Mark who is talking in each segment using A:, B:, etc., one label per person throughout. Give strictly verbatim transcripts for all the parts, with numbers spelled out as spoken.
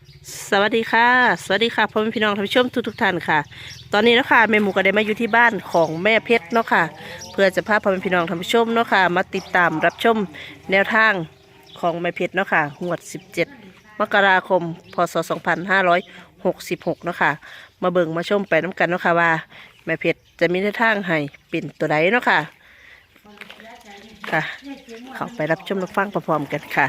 A: สวัสดีค่ะสวัสดีค่ะพ่อแม่พี่น้องท่านผู้ชมทุกทุกท่านค่ะตอนนี้เนาะค่ะแม่หมูก็ได้มาอยู่ที่บ้านของแม่เพชรเนาะค่ะเพื่อจะพาพ่อแม่พี่น้องท่านผู้ชมเนาะค่ะมาติดตามรับชมแนวทางของแม่เพชรเนาะค่ะงวดสิบเจ็ดมกราคมพศสองพันห้าร้อยหกสิบหกเนาะค่ะมาเบิ่งมาชมไปน้ำกันเนาะค่ะว่าแม่เพชรจะมีแนวทางให้เป็นตัวใดเนาะค่ะค่ะเข้าไปรับชมรับฟังพร้อมๆกันค่ะ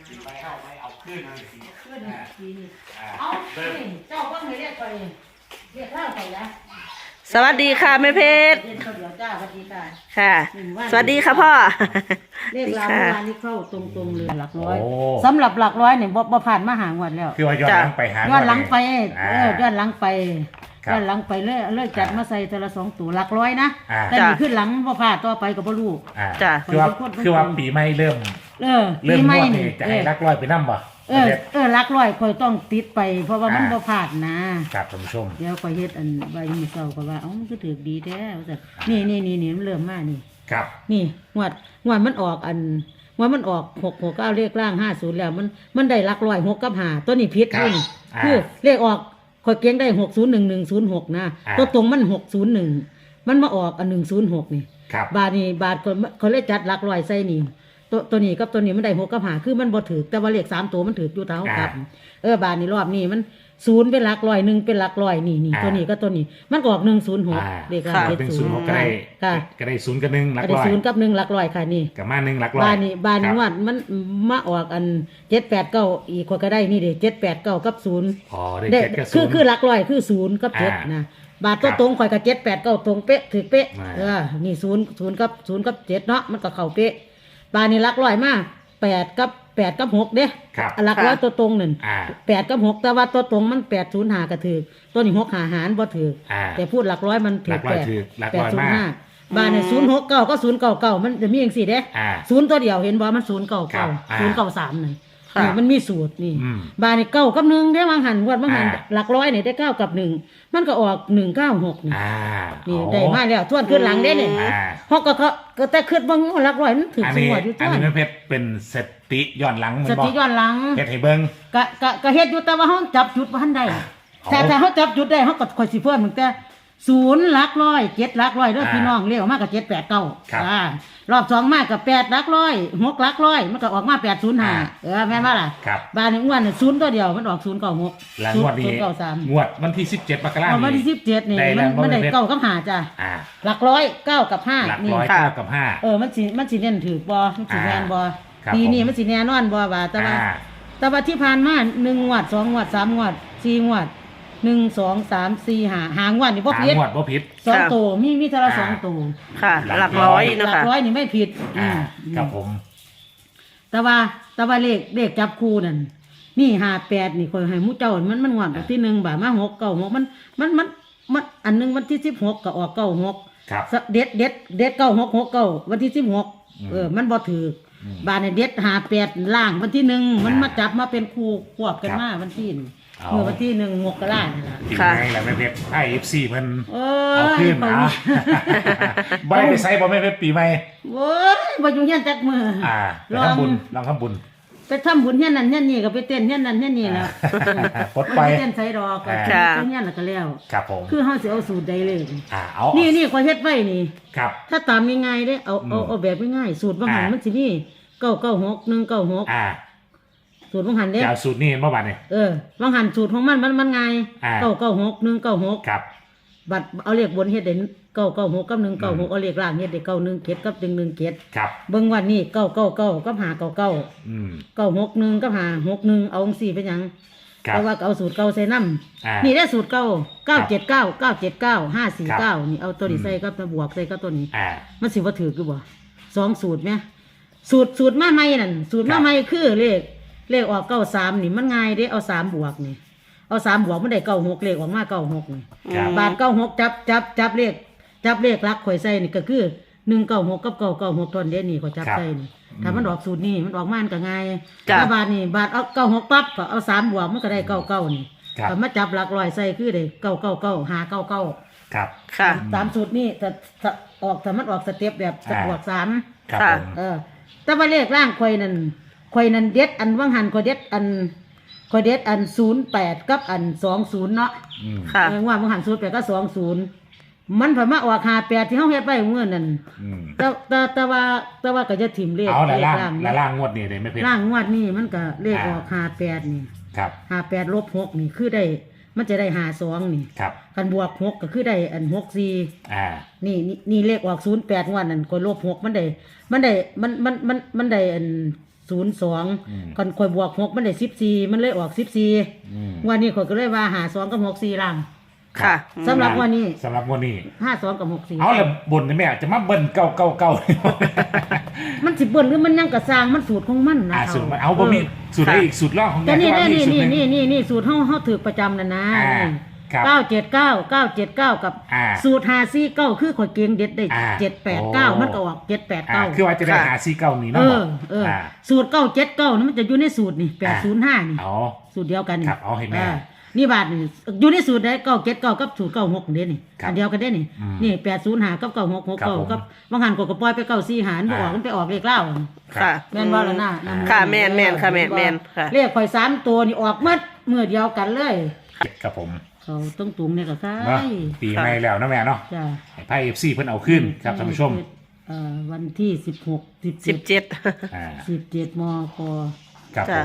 B: เจ้าก็ไม่เรียกไปเรียกข้าวไปนะ
A: สวัสดีค่ะแม่เพชร
B: เรียกข้าวเดียวจ้าสวัสดีค่ะ
A: ค่ะ สวัสดีค่ะพ่อ
B: เรียกเรา
A: ค่ะ
B: เมื่อวานนี้เข้าตรงๆเลยหลักร้อยสำหรับหลักร้อยเนี่ยบ่บ่ผ่านมาหางวันแล้ว
C: คือว่าย้อนหลังไปหา
B: ย้อนหลังไป
C: อ่า
B: เออย้อนหลังไป
C: ครับ
B: ย้อนหลังไปเลยเลยจัดมาใส่แต่ละสองตัวหลักร้อยนะ
C: อ่า
B: แต่นี่ขึ้นหลังบ่ผ่านต่อไปกับบ่รู้
C: อ่า
A: จ้ะ
C: คือว่าคือว่าปีใหม่เริ่ม
B: เออ
C: เริ่ม
B: ปีใหม่
C: งวด
B: นี่
C: นี่จะ
B: เอ
C: ให้
B: อ
C: รักร้อยไปนั่บ่
B: เออเออหลักร้อยคอยต้องติดไป เพราะว่ามัน
C: อ่า
B: บ่ผ่านนะครับ
C: ท่านผู้ชม
B: เดี๋ยวคอยเฮ็ดอันใบมือเศร้าก็ว่าเอ้ามันก็ถือดีแท้ว่าซั่นนี่นี่นี่นี่มันเริ่มมานี่
C: ครับ
B: นี่งวดงวดมันออกอันงวดมันออกหกหกเก้าเลขล่างห้าศูนย์แล้วมันมันได้หลักร้อยหกกับห้าตัวนี้พิษ
C: ครับ
B: นี่
C: อ่า
B: คือเลขออกคอยเกียงได้หกศูนย์หนึ่งหนึ่งศูนย์หกนะ
C: อ่า
B: ตัวตรงมันหกศูนย์หนึ่งมันมาออกอันหนึ่งศูนย์หกนี่
C: ครับ
B: บาทนี่บาทคนเขาเลยจัดหลักร้อยใส่นี่ตัวตัวนี้กับตัวนี้มันได้หกกับห้าคือมันบ่ถือแต่ว่าเลขสามตัวมันถืออยู่เท่ากับ เออบาทนี่รอบนี้มันศูนย์เป็นหลักร้อยหนึ่งเป็นหลักร้อยนี่นี่
C: อ่า
B: ตัวนี้ก็ตัวนี้มันก็ออกหนึ่งศูนย์หก
C: อ่า
B: เลข
C: ค
B: ล่า
C: รั
B: ง
C: บ
B: เจ็ด
C: หนึ่ง
B: ศู
C: ศู
B: น
C: น
B: ย์
C: ย์หกก็ได้
B: ค่ะ
C: ก็ได้ศูนย์กับหนึ่งรัก
B: อันนี้
C: ร้อย
B: ศูนย์กับหนึ่งหลักร้อยค่ะนี่
C: กับมาหนึ่งรักร้อย
B: บ้านนี้บ้านนี้
C: ครับ
B: ว่ามันมาออกอันเจ็ดแปดเก้าอีกคนก็ได้นี่เด็เจ็ดแปดเก้ากับศูนย์
C: อ๋อได้
B: ได้
C: เจ็ดกับ
B: คื
C: ศู
B: อน
C: ย์
B: คือหลักร้อยคือศูนย์กับเจ็ด
C: อ่า
B: นะบาทตัว
C: ครับ
B: ตรงข่อยกับเจ็ดแปดเก้าตรงเป๊ะถือเป๊ะ
C: อ่า
B: เออนี่ศูนย์ศูนย์กับศูนย์กับเจ็ดเนาะมันก็เข้าเป๊ะบ้านนี้หลักร้อยมาแปดกับแปดกับหกเด้
C: ครับ
B: หลักร้อยตัวตรงหนึ่ง
C: อ่า
B: แปดกับหกแต่ว่าตัวตรงมันแปดศูนย์หากระถือตัวนี้หกหาหารบ่ถือ
C: อ่า
B: แต่พูดหลักร้อยมันถื
C: หลั
B: อก
C: ร้
B: แป
C: อย
B: ด
C: ถือหลัก
B: แป
C: ร้
B: ด
C: อย
B: ศูน
C: มา
B: ย์ห้าบ้านเนี่ยศูนย์หกเก้าก็ศูนย์เก้าเก้ามันจะมีอย่างสี่เด้
C: อ่า
B: ศูนย์ตัวเดียวเห็นบ่มันศูนย์เก้า
C: ครั
B: เก้า
C: บอ่า
B: ศูนย์เก้าสามนี่
A: ค่ะ
B: นี่มันมีสูตรนี่
C: อืม
B: บ้านนี่เก้ากับหนึ่งได้วางหันวัดวางหัน
C: อ่า
B: หลักร้อยเนี่ยได้เก้ากับหนึ่งมันก็ออกหนึ่งเก้าหกนี่
C: อ่า
B: นี่
C: อ๋อ
B: ได้มาแล้วทวนขึ้นหลังได้เนี่ย
C: อ่า
B: เพราะก็เขาก็แต่ขึ้นบางหลักร้อยมันถึง
C: อัน
B: ส
C: นี้
B: มวดอยู่
C: อั
B: ตั
C: น
B: ว
C: นี้แม่เพชรเป็นสติย้อนหลังเหมือ
B: ส
C: นบอ
B: ติ
C: ก
B: ย้อนหลัง
C: เพชรให้เบิ้ง
B: กะกะกะเฮ็ดอยู่แต่ว่าเฮาจับจุดบ่ทันได้
C: อ่า
B: แต่
C: อ๋อ
B: แต่เฮาจับจุดได้เฮาก็ค่อยสิเพิ่มตั้งแต่ศูนย์หลักร้อยเจ็ดหลักร้อยเด้อ
C: อ่า
B: พี่น้องเรียกออกมาก็เจ็ดแปดเก้า
C: ครับ
B: อ่ารอบสองมาก็แปดหลักร้อยหกหลักร้อยมันก็ออกมาแปดศูนย์ห้า
C: อ่า
B: เออแม่นบ่ล่ะ
C: ครับ
B: บ้านนี้อ้วนน่ะศูนย์ตัวเดียวมันออกศูนย์เก้าหก
C: แล้วงวดนี้
B: ศูนย์เก้าสาม
C: งวดวันที่สิบเจ็ดมกราค
B: เอา
C: ม
B: มาที่สิบเจ็ดนี่
C: ได้
B: มั
C: แล้
B: น
C: ว
B: มันได้
C: บ่แม่น
B: เก้ากับห้าจ้ะ
C: อ่า
B: หลักร้อยเก้ากับห้า
C: หลัก
B: นี่
C: ร้อย
A: ค่ะ
C: เก้ากับห้า
B: เออมันสิมันสิเน้นถือบ่มันสิแม่นบ่
C: ครับ
B: ปีนี้
C: ผม
B: มันสิแน่นอนบ่ว่าแต่ว่า
C: อ่า
B: แต่ว่าที่ผ่านมาหนึ่งงวดสองงวดสามงวดสี่งวดหนึ่งสองสามสี่ห้าหางวดนี่บ่
C: หา
B: ผิด
C: งวดบ่ผิด
B: สอง
A: ค่ะ
B: ตัวมีมีเท่าละ
C: อ่า
B: สองตัว
A: ค่ะ
C: หลัก
A: หลักร้อย
B: ห
A: เนาะ
B: ลัก
A: ค่ะ
B: ร้อยนี่ไม่ผิด
C: อ่า
B: อืม
C: ครับผม
B: แต่ว่าแต่ว่าเลขเลขจับคู่นั่นนี่ห้าแปดนี่คอยให้หมู่เจ้ามันมันงวดที่หนึ่งบาทมาหกเก้าหกมันมันมันมันอันหนึงวันที่สิบหกก็ออกเก้าหก
C: ครับ
B: เด็ดเด็ดเด็ดเก้าหกหกเก้าวันที่สิบหก
C: อืม
B: เออมันบ่ถืออ
C: ม
B: บาทเนี่ยเด็ดหาแปดล่างวันที่หนึ่งมัน
C: อ่าม
B: มาจับมาเป็นคู่ควบกัน
C: ครับ
B: มาวันที่หนึ่ง
C: เอา
B: เมื่อวันที่หนึ่งมกราเนี่ยล่ะ
C: ปี
A: ค่ะ
C: ไงแหละแม่เพชรไอเอฟซีเพิ่น
B: เอ
C: เอาขึ้น
B: ไป
C: นะใบไปใส่บ่แม่เพชรปีใหม่
B: โอ้ยบ่อยู่เฮียนจักมือ
C: อ่าไป
B: ลอง
C: ทำบุญลองทำบุญ
B: ไปทำบุญเฮียนนั่นเฮียนนี่ก็ไปเต้นเฮียนนั่นเฮียนนี่แล้ว
C: ปลดไป
B: เต้นใส่ดอกก็
C: อ่า
B: เต้นเฮียนแล้วก็แล้ว
C: ครับผม
B: คือเฮาสิเอาสูตรใดเลย
C: อ่าเอา
B: นี่นี่ขอยเฮ็ดไว้นี่
C: ครับ
B: ถ้าตามง่ายๆเด้เอาเอา
C: อืม
B: เอาแบบง่ายๆสูตรบางหัน
C: อ่ามั
B: มันสิมีเก้าเก้าหกหนึ่งเก้าหก
C: อ่า
B: สูตรบางหันเด้
C: จะเอาสูตรนี้เมื่อวานเนี่ย
B: เออวางหันสูตรของมันมันมันไง
C: อ่า
B: เก้าเก้าหกหนึ่งเก้าหก
C: ครับ
B: บัตรเอาเลขบนเฮ็ดได้เก้าเก้าหกกับหนึ่งเก้าหกเอาเลขล่างเฮ็ดได้เก้าหนึ่งเจ็ดกับหนึ่งหนึ่งเจ็ด
C: ครับ
B: เบิ่งวันนี้เก้าเก้าเก้ากับหาเก้าเก้า
C: อืม
B: เก้าหกหนึ่งกับหาหกหนึ่งเอาองสี่เป็นหยัง
C: ครับ
B: แต่ว่าก็เอาสูตรเก้าใส่น้
C: อ่า
B: ำนี่ได้สูตรเก้าเก้าเจ็ดเก้าเก้าเจ็ดเก้าห้าสี่
C: ครั
B: เก้า
C: บ
B: นี่เอาตัวนี้
C: อืม
B: ใส่กับตัวบวกใส่กับตัวนี้
C: อ่า
B: มันสิว่าถือคือบ่สองสูตรไหมสูตรสูตรมาใหม่นั่นสูตร
C: ครั
B: มา
C: บ
B: ใหม่คือเลขเลขออกเก้าสามนี่มันง่ายเด้เอาสามบวกนี่เอาสามบวกมันได้เก้าหกเลขออกมาเก้าหกนี่
C: ครับ
B: บาทเก้าหกจับจับจับเลขจับเลขรักข่อยใส่นี่ก็คือหนึ่งเก้าหกกับเก้าเก้าหกตอนเดียวนี่ข่อยจับ
C: ครับ
B: ใส่นี่ถ้ามันออกสูตรนี่มันออกมามันก็ง่าย
A: จ้ะ
B: ถ้าบาทนี่บาทเอาเก้าหกปั๊บก็เอาสามบวกมันก็ได้เก้าเก้านี่
C: ครับ
B: ถ้ามาจับหลักร้อยใส่คือได้เก้าเก้าเก้าหาเก้าเก้า
C: ครับ
A: ค่ะ
B: ตามสูตรนี่แต่ถ้าออกถ้ามันออกสเต็ปแบบส
C: อ่า
B: บวกสาม
C: ครับ
A: ค่ะ
C: ผม
B: เออ แต่ว่าเลขร่างข่อยนั่นข่อยนั่นเด็ดอันว่างหันข่อยเด็ดอันคอยเด็ดอันศูนย์แปดกับอันสองศูนย์เนาะ
C: อืม
A: ค่ะ
B: เออว่ามันหันศูนย์แปดก็สองศูนย์มันผ่านมาออกหาแปดที่เขาเฮ็ดไปเมื่อนั้น
C: อืม
B: แต่แต่แต่ว่าแต่ว่าก็จะถิ่มเลข
C: เอาละ
B: เล
C: ล่า
B: ข
C: ง
B: ล่าง
C: ละล่างงวดนี้เลยไม่เพชร
B: ล่างงวดนี่มันก็เลข
C: อ่า
B: ออกหาแปดนี่
C: ครับ
B: หาแปดลบหกนี่คือได้มันจะได้หาสองนี่
C: ครับ
B: กันบวกหกก็คือได้อันหกสี่
C: อ่า
B: นี่นี่นี่เลขออกศูนย์แปดงวดนั่นก็ลบหกมันได้มันได้มันมันมันมันได้อันศูนย์สอง
C: อืม
B: กันคอยบวกหกมันได้สิบสี่มันเลยออกสิบสี่
C: อืม
B: วันนี้ข่อยก็เลยว่าหาสองกับหกสี่ล่าง
A: ค่ะ
B: สำหรับวันนี้
C: สำหรับงวดนี้
B: ห้าสองกับหกสี่
C: เอาละบนนี่แม่จะมาเบิ้ลเก่าเก่าเก่า
B: มันสิเบิ่นหรือมันยังกระซางมันสูตรของมันนะ
C: อ่า
B: เฒ่
C: สูตรมันเอาบ่มีสูตรอะไรอีกสูตรล่องของ
B: แต่
C: แม่
B: นี่
C: ก็ว่ามี
B: นี่
C: สูตร
B: นี่
C: หนึ่ง
B: นี่นี่นี่สูตรเฮาเฮาถือประจำนั่นนะ
C: อ่า
B: นี่
C: ครับ
B: เก้าเจ็ดเก้าเก้าเจ็ดเก้ากับ
C: อ่า
B: สูตรหาซี่เก้าคือข่อยเก่งเด็ดได้
C: อ่า
B: เจ็ดแปดเก้า
C: โอ้
B: มันก็ออกเจ็ดแปด
C: อ่า
B: เก้า
C: คือว่าจะได้
A: ค่ะ
C: หาซีเก่านี้
B: เอ
C: เนาะ
B: อเออ
C: อ่า
B: สูตรเก้าเจ็ดเก้านี่มันจะอยู่ในสูตรนี่แปดศูนย์ห้านี่
C: เอา
B: สูตรเดียวกันนี่
C: ครับเอาให้แม่
B: อ่นี่บาทนี่อยู่ในสูตรได้เก้าเจ็ดเก้ากับสูตรเก้าหกเด้นี่
C: ครับ
B: อันเดียวกันเด้นี่
C: อืม
B: นี่แปดศูนย์ห้ากับเก้าหกหก
C: ครับ
B: เก้า
C: ผม
B: กับบางหันก็กระปล่อยไปเก้าสี่หารบ่ออก
C: อ่ามั
B: มันไปออกเลขเล่า
A: ค่ะ
B: แม่นว่าแล้วนะ
C: อ่า
B: นำ
A: ค่ะแม่นแม่นค่ะแม่นแม่นค่ะ
B: เลขข่อยสามตัวนี่ออกหมดมือเดียวกันเลย
C: ครับผม
B: เขาต้องตุงเนี่ยก็ใช่
C: เนาะปีใหม่แล้วนะแม่เนาะ
B: จ้ะ
C: ให้ไพ่เอฟซีเพิ่นเอาขึ้นครับท่านผู้ชม
B: เอ่อวันที่สิบหกสิบ
A: สิ
B: เจ็
A: บ
B: ด
A: เจ็ด
C: อ่า
B: สิบเจ็ดมก
C: ครับผ
A: จ้ะ
C: ม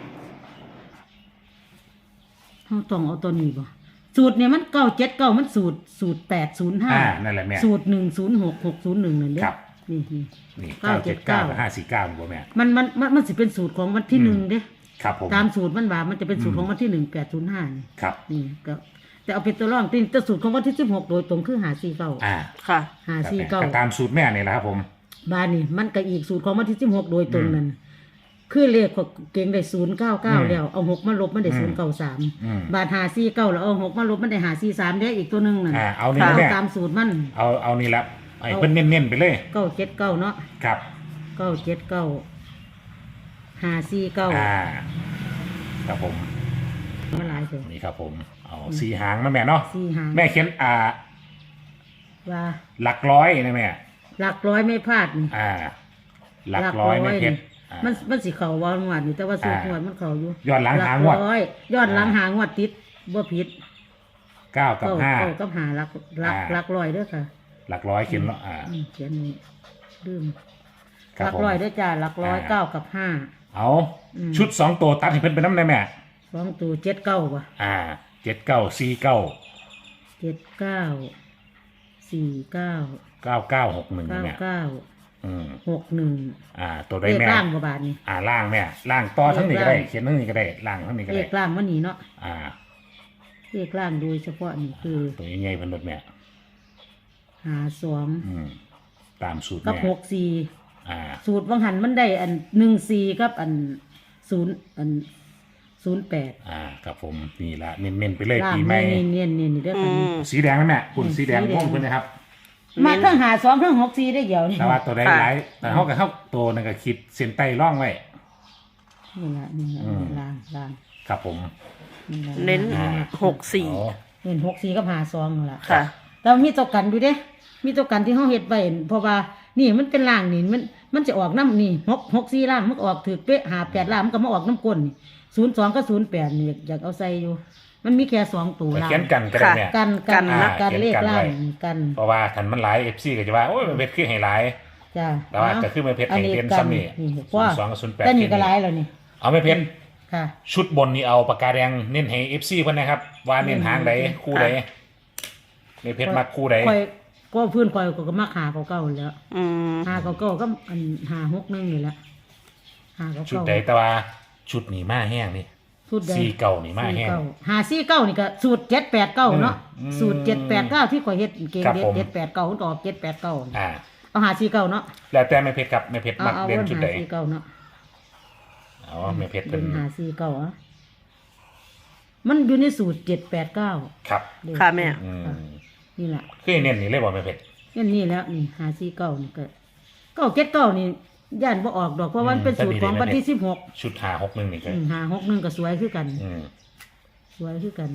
B: เขาต้องเอาตัวนี้บ่สูตรเนี่ยมันเก้าเจ็ดเก้ามันสูตรสูตรแปดศูนย์ห้า
C: อ่านั่นแหละแม่
B: สูตรหนึ่งศูนย์หกหกศูนย์หนึ่งนั่นเด้
C: ครับ
B: นี่นี่
C: นี่
B: เก้า
C: เก้า
B: เจ็
C: เจ็
B: ด
C: ด
B: เก้า
C: เก้ากับห้าสี่เก้าบ่แม่
B: มันมันมันมันสิเป็นสูตรของวันที่หนึ่งเด้
C: ครับผม
B: ตามสูตรมันว่ามันจะเป็นสูตรของวันที่หนึ่งแปดศูนย์ห้านี่
C: ครับ
B: นี่ก็แต่เอาเป็นตัวรองที่แต่สูตรของวันที่สิบหกโดยตรงคือหาสี่เก้า
C: อ่า
A: ค่ะ
B: หา
C: ครับ
B: สี่
C: แม่
B: เก้า
C: ก็ตามสูตรแม่นี่แหละครับผม
B: บ้านนี่มันก็อีกสูตรของวันที่สิบหกโดยตรงนั่นคือเลขของเก่งได้ศูนย์เก้าเก้า
C: อืม
B: แล้วเอาหกมาลบมันได้
C: อื
B: ศู
C: ม
B: นย์เก้าสาม
C: อืม
B: บาทหาสี่เก้าแล้วเอาหกมาลบมันได้หาสี่สามได้อีกตัวหนึ่งนั่น
C: อ่าเอานี่
A: ค่ะ
C: นะแม่
B: ตามสูตรมัน
C: เอาเอานี่ละให้เพิ่นเน้นๆไปเลย
B: เก้าเจ็ดเก้าเนาะ
C: ครับ
B: เก้าเจ็ดเก้าหาสี่เก้า
C: อ่าครับผม
B: มาหลายเถอะ
C: นี่ครับผมเอาสี่หางนะแม่เนาะ
B: สี่หาง
C: แม่เขียนอ่า
B: ว่า
C: หลักร้อยนะแม่
B: หลักร้อยไม่พลาดนี่
C: อ่า หลักร้อยแม่เพชรอ่า
B: มันมันสิเข่าวางวดนี่แต่ว่าสูตร
C: อ่าง
B: วดมันเข่าอยู่
C: ย้อนหลังหางวด
B: ลักร้อยย้อนหลัง
C: อ่า
B: หางวดติดบ่ผิด
C: เก้ากับ
B: เก้า
C: ห้า
B: เก้ากับหาหลักหลัก
C: อ่า
B: หลักร้อยเด้อค่ะ
C: หลักร้อยเขียนเนาะอ่า
B: อืมเขียนนี่ลืม
C: ค
B: ห
C: รับ
B: ลัก
C: ผม
B: ร้อยเด้อจ้าหลักร้อย
C: อ่า
B: เก้ากับห้า
C: เอา
B: อืม
C: ชุดสองตัวตัดให้เพิ่นเป็นน้ำได้แม่
B: สองตัวเจ็ดเก้าป่ะ
C: อ่าเจ็ดเก้าสี่เก้า
B: เจ็ดเก้าสี่เก้า
C: เก้าเก้าหกหนึ่ง
B: เก้า
C: แม่
B: เก้า
C: อืม
B: หกหนึ่ง
C: อ่า ตัว
B: เล
C: ได้
B: ข
C: แม่
B: ล่างกว่าบาทนี่
C: อ่าล่างแม่ล่างต่อทั้งนี้ก็ได้
B: เลขล่าง
C: เขียนทั้งนี้ก็ได้ล่างทั้งนี้ก็
B: เล
C: ได้
B: ขล่างวันนี้เนาะ
C: อ่า
B: เลขล่างโดยเฉพาะนี่คือ
C: ตัวใหญ่ๆเพิ่นลดแม่
B: หาสอง
C: อืมตามสูตร
B: กับ
C: แม่
B: หกสี่
C: อ่า
B: สูตรบางหันมันได้อันหนึ่งสี่กับอันศูนย์อันศูนย์แปด
C: อ่าครับผมนี่ละเน้นๆไปเลย
B: ล่าง
C: ปีใหม่
B: เนียนเนียนเนียนนี่เด้อ
A: อื
B: ค่ะนี่
A: ม
C: สีแดงนะแม่คุณ
B: อืม
C: สีแดง
B: สีแดง
C: ม่วงเพิ่นนะครับ
B: มาทั้งหาสองทั้งหกสี่ได้เดียวนี่
C: แต่ว่าตัวได้
A: ค่ะ
C: หลายแต่เขากับเขาตัวนึงก็คิดเส้นใต้ร่องไว้
B: นี่ละนี่ละ
C: อืม
B: ล่างล่าง
C: ครับผม
B: นี่ละ
A: เน้น
C: อ่า
A: หกสี่
C: อ๋อ
B: เน้นหกสี่กับหาสองนั่นล่ะ
A: ค่ะ
B: แต่มีตัวกันอยู่เด้ มีตัวกันที่เขาเฮ็ดไว้เพราะว่านี่มันเป็นล่างนี่มันมันจะออกน้ำนี่หกหกสี่ล่างมันก็ออกถือเป๊ะหาแปดล่างมันก็มาออกน้ำก้นนี่ศูนย์สองก็ศูนย์แปดนี่อยากเอาใส่อยู่ มันมีแค่สองตัว
C: ไป
B: ล่าง
C: เขียนกันก็ได้แม่
B: กันกัน
C: อ่า
B: กัน
C: เขียน
B: เลข
C: กัน
B: ล่าง
C: ไว้
B: กัน
C: เพราะว่าทันมันหลายเอฟซีก็จะว่าโอ้ยมันเพชรคือให้หลาย
B: จ้า
C: แต่ว่าจะขึ้นมาเพชรให้เป็นซ้ำนี่
B: เพราะว่า
C: ศูนย์สองกับศูนย์แปด
B: แต่นี่ก็หลายแล้วนี่
C: เอาไม่เพชร
B: ค่ะ
C: ชุดบนนี่เอาปากกาแดงเน้นให้เอฟซีเพิ่นนะครับ ว่าเน้นหางใดคู่ใดไม่เพชรมักคู่ใด
B: คอยก็พื้นคอยก็มาหาเก่าๆแล้ว
A: อืม
B: หาเก่าๆก็อันหาหกนึงนี่แหละหาเก่าๆ
C: ชุดใดแต่ว่าชุดนี่มาแห้งนี่
B: สูตรใด
C: สี่เก่านี่มาแห้ง
B: สี่เก้หาสี่เก้านี่ก็สูตรเจ็ดแปดเก้าเนาะ
C: อืม
B: สูตรเจ็ดแปดเก้าที่คอยเฮ็ดเก่ง
C: ครับ
B: เด็ด
C: ผม
B: เจ็ดแปดเก้าก็ออกเจ็ดแปดเก้า
C: อ่า
B: เอาหาสี่เก้าเนาะ
C: แล้วแต่ไม่เพชรครับไม่เพชร
B: เอา
C: มัก
B: เอา
C: เด่น
B: วัน
C: ชุด
B: หา
C: ใด
B: สี่เก้าเนาะ
C: อ๋อไม่เพชร
B: เป็
C: เป็น น
B: หาสี่เก้าอ่ะมันอยู่ในสูตรเจ็ดแปดเก้า
C: ครับ
A: ค่ะแม่
C: อืม
B: นี่แหละ
C: คือเน้นนี่เลยบ่ไม่เพชร
B: นี่นี่แล้วนี่หาสี่เก้านี่ก็เก้าเจ็ดเก้านี่ย่านบ่ออกดอกเพราะว่ามันเป็นสูตรของวันที่สิบหก
C: ชุดหาหกหนึ่งนี่ก็
B: หาหกหนึ่งก็สวยคือกัน
C: อืม
B: สวยคือกัน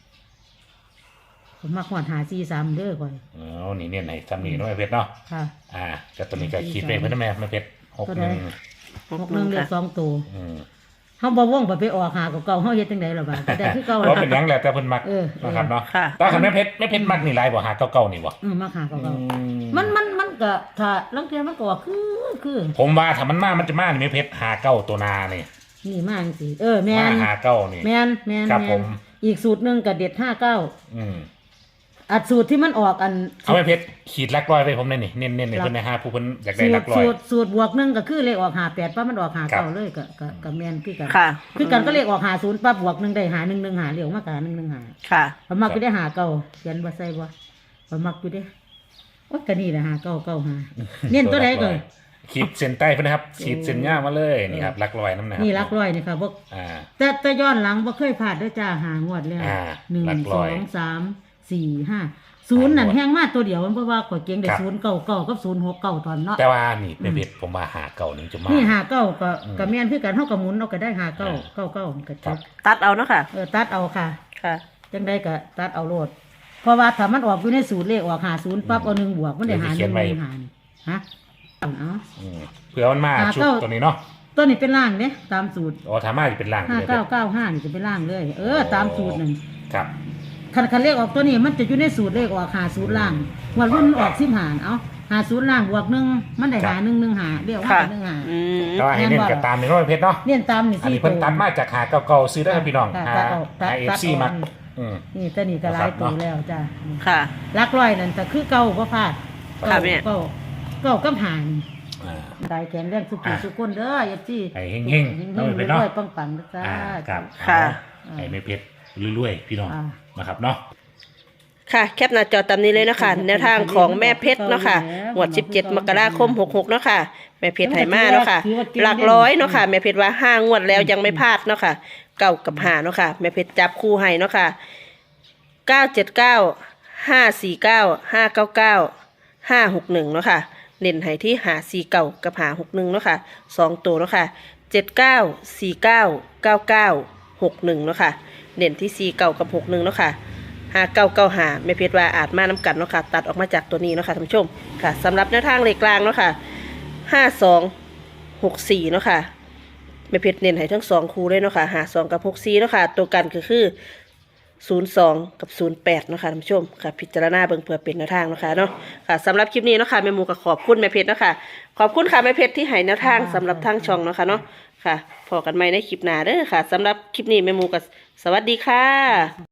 B: ผมมักหอดหาสี่สามเด้อก่อน
C: อ๋อนี่เน้นให้ซ้ำนี่เนาะไม่เพชรเนาะ
B: ค่ะ
C: อ่าแต่ตัวนี้ก็คิดไปเพิ่นนะแม่ไม่เพชรหกหนึ่ง
B: หกหนึ่งเดือสองตัว
C: อืม
B: เฮาบ่ว่องไปไปออกหาเก่าๆเฮาเฮ็ดจังได๋ล่ะบาดแต่คือเก่า
C: เพราะเป็นหยังแหละแต่เพิ่นมัก
B: เออ
C: นะครับเนาะ
A: ค่ะ
C: ตาคันแม่เพชรแม่เพชรมักนี่หลายบ่หาเก่าๆนี่บ่
B: อืมมาหาเก่า
C: อื
B: ๆมันมันมันก็ถ้าลางเทื่อมันก็ว่าคือคือ
C: ผมว่าถ้ามันมามันจะมานี่แม่เพชรหาเก้าตัวนานี่
B: นี่มาจังซี่เออแม่
C: มาน หาเก้านี่
B: แม่นแม่น
C: ครับ
B: แม่
C: ผ
B: น
C: ม
B: อีกสูตรหนึงก็เด็ดห้าเก้า
C: อืม
B: อัดสูตรที่มันออกอัน
C: เอาแม่เพชรขีดลักร้อยไปผมเลยนี่เน้นๆนี่เพิ่นนะฮะผู้เพิ่นอยากได้
B: สู
C: ลั
B: ต
C: ก
B: ร
C: ร้อย
B: สูตรสูตรบวกหนึงก็คือเลขออกหาแปดปั๊บมันออกหา
C: ครั
B: เก้า
C: บ
B: เลยก็ก็ก็แม่นคือกัน
A: ค่ะ
B: คือกันก็เลขออกหาศูนย์ปั๊บบวกหนึ่งได้หาหนึ่งหนึ่งหาเรียกมากกว่าหนึ่งหนึ่งหา
A: ค่ะ
B: พอมักอยู่ได้หาเก้าเขียนบ่ใส่บ่พอมักอยู่ได้โอ้ยก็นี่แหละหาเก้าเก้าหาเน้นตัวใดก่อน
C: ขีดเส้นใต้เพิ่นนะครับขีดเส้นย่ามาเลยนี่ครับลักร้อยน้ำนะครับ
B: นี่รักร้อยนี่ค่ะบ่
C: อ่า
B: แต่แต่ย้อนหลังบ่เคยพลาดเด้อจ้าหางวดแล้ว
C: อ่า
B: หนึ่ง
C: หลัก
B: ส
C: ร้
B: อ
C: อย
B: งสามสี่ห้าศูนย์นั่นแห้งมากตัวเดียวมันเพราะว่าข่อยเก่งได้
C: ครับ
B: ศูนย์เก้าเก้ากับศูนย์หกเก้าตอนเนาะ
C: แต่ว่านี่แม่เพชรผมว่าหาเก้านี่จะมา
B: นี่หาเก้าก็
C: อืม
B: ก็แม่นคือกันเฮาก็หมุนเอาก็ได้หาเก้า
C: อ่า
B: เก้าเก้าก็จ
C: ครับ
B: บ
A: ตัดเอาเนาะค่ะ
B: เออตัดเอาค่ะ
A: ค่ะ
B: จังได้ก็ตัดเอาโลดเพราะว่าถ้ามันออกอยู่ในสูตรเลขออกหาศูนย์ปั๊บเอาหนึ่งบวกมันได้หาหนึ่งหนึ่งหานี่ฮะเอา
C: อืมเผื่อมันมา
B: หา
C: ชุด
B: เก้า
C: ตัวนี้เนาะ
B: ตัวนี้เป็นล่างเนี่ยตามสูตร
C: อ๋อถามาจะเป็นล่าง
B: ห้า
C: เลย
B: เก้าเก้าห้านี่จะเป็นล่างเลย เออตามสูตรนั่น
C: ครับ
B: คันคันเลขออกตัวนี้มันจะอยู่ในสูตรเลขออกหาศูนย์ล่างวันรุ่นออกสิบหารเอาหาศูนย์ล่างบวกหนึ่งมันได้หาหนึ่งหนึ่งหาเรียกว่า
A: ค่ะ
B: หนึ่งหา
A: อืม
C: แต่ว่าให้เน้นกับตามในร้อยเพชรเนาะ
B: เนี่ยตามนี่
C: อัน
B: สี่
C: นี้เพิ่น
B: ตัว
C: ตัดมาจากหาเก่าๆซื้อได้ครับพี่น้อง
B: ตัด
C: หา
B: ตัดออกตัด
C: หาเอฟ
B: ตัด
C: ซี
B: ออก
C: มักอืม
B: นี่ตัวนี้ก็หลาย
C: นะครับ
B: ตัว
C: เนาะ
B: แล้วจ้า
A: ค่ะ
B: ลักร้อยนั่นก็คือเก่าบ่พลาด
A: ค่ะแม่
B: เก่าเก่ากับหานี่
C: อ่า
B: ได้แข็งแรงสุขุสุขคนเด้อเอฟซี
C: ให้เฮงๆ
B: เฮง
C: เอา
B: ๆ
C: ไปเนาะ
B: รวยๆปังๆนะจ้า
C: อ่าครับ
A: ค่ะ
C: เอาให้ไม่เพชรรวยๆพี่น้อง
B: อ่า
C: นะครับเนาะ
A: ค่ะแคปหน้าจอตามนี้เลยเนาะคะแนวทางของแม่เพชรเนาะค่ะงวดสิบเจ็ดมกราคมหกหกเนาะค่ะแม่เพชรไหมาเนาะค่ะหลักร้อยเนาะค่ะแม่เพชรว่าห้างวดแล้วยังไม่พลาดเนาะค่ะเก้ากับห้าเนาะค่ะแม่เพชรจับคู่ให้เนาะค่ะเก้าเจ็ดเก้าห้าสี่เก้าห้าเก้าเก้าห้าหกหนึ่งเนาะค่ะเน้นให้ที่หาสี่เก้ากับหาหกหนึ่งเนาะค่ะสองตัวเนาะค่ะเจ็ดเก้าสี่เก้าเก้าเก้าหกหนึ่งเนาะค่ะเน้นที่สี่เก้ากับหกหนึ่งเนาะค่ะห้าเก้าเก้าห้าแม่เพชรว่าอาจมาน้ำกันเนาะค่ะตัดออกมาจากตัวนี้เนาะค่ะท่านผู้ชมค่ะสำหรับแนวทางเลขกลางเนาะค่ะห้าสองหกสี่เนาะค่ะแม่เพชรเน้นให้ทั้งสองคู่เลยเนาะค่ะหาสองกับหกสี่เนาะค่ะตัวกันก็คือศูนย์สองกับศูนย์แปดเนาะค่ะท่านผู้ชมค่ะพิจารณาเบิ่งเพื่อเป็นแนวทางเนาะค่ะเนาะค่ะสำหรับคลิปนี้เนาะค่ะแม่หมูก็ขอบคุณแม่เพชรเนาะค่ะขอบคุณค่ะแม่เพชรที่ให้แนวทางสำหรับทางช่องเนาะค่ะเนาะค่ะพอกันใหม่ในคลิปหน้าเด้อค่ะสำหรับคลิปนี้แม่หมูก็สวัสดีค่ะ